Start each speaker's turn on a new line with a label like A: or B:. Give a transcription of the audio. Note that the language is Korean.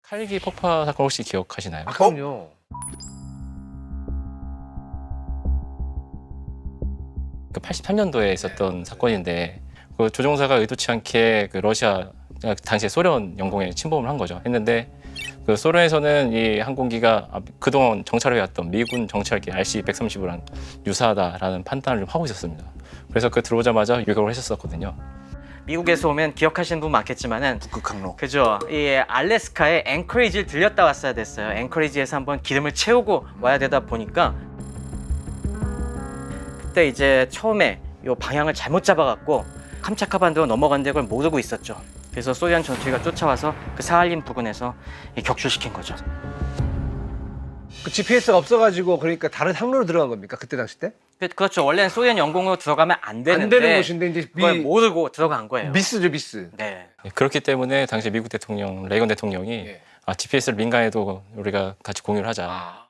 A: 칼기 폭파 사건 혹시 기억하시나요?
B: 아, 그럼요.
A: 그 83년도에 있었던 사건인데 그 조종사가 의도치 않게 그 러시아 당시에 소련 영공에 침범을 한 거죠. 했는데 그 소련에서는 이 항공기가 그동안 정찰해왔던 미군 정찰기 RC-130이랑 유사하다라는 판단을 좀 하고 있었습니다. 그래서 그 들어오자마자 유격을 했었거든요.
C: 미국에서 오면 기억하시는 분 많겠지만은
B: 북극항로.
C: 그죠? 이 알래스카의 앵커리지를 들렸다 왔어야 됐어요. 앵커리지에서 한번 기름을 채우고 와야 되다 보니까 그때 이제 처음에 요 방향을 잘못 잡아갖고 캄차카 반도로 넘어간 걸 모르고 있었죠. 그래서 소련 전투기가 쫓아와서 그 사할린 부근에서 격추시킨 거죠.
B: 그 GPS가 없어가지고 그러니까 다른 항로로 들어간 겁니까? 그때 당시 때?
C: 그렇죠. 원래는 소련 영공으로 들어가면 안 되는데
B: 안 되는 곳인데 이제
C: 그걸 모르고 들어간 거예요.
B: 미스죠, 미스.
C: 네.
A: 그렇기 때문에 당시 미국 대통령 레이건 대통령이
B: 예.
A: GPS를 민간에도 우리가 같이 공유를 하자.